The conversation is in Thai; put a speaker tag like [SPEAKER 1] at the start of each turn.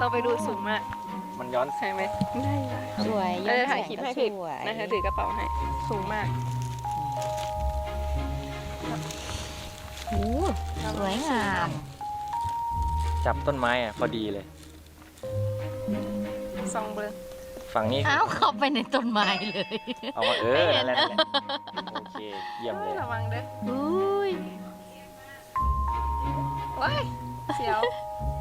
[SPEAKER 1] ต้องไปดูสูงมาก
[SPEAKER 2] มันย้อน
[SPEAKER 1] ใช่ไหมได้
[SPEAKER 3] สวย
[SPEAKER 1] เราจะถ่ายคลิปให้ผิด
[SPEAKER 3] สวย
[SPEAKER 1] นะคะถือกระเป๋าให้สูงมาก
[SPEAKER 3] โอ้สวยงาม
[SPEAKER 2] จับต้นไม้อ่ะพอดีเลย
[SPEAKER 1] ซองเบอร์
[SPEAKER 2] ฝั่งนี้
[SPEAKER 3] อ้าวเข้าไปในต้นไม้เลย
[SPEAKER 2] เอามานั่นแหละโอเคเยี่ยมเลย
[SPEAKER 1] ระวังเด้อ
[SPEAKER 3] อุ้ย
[SPEAKER 1] ว้ายเสียว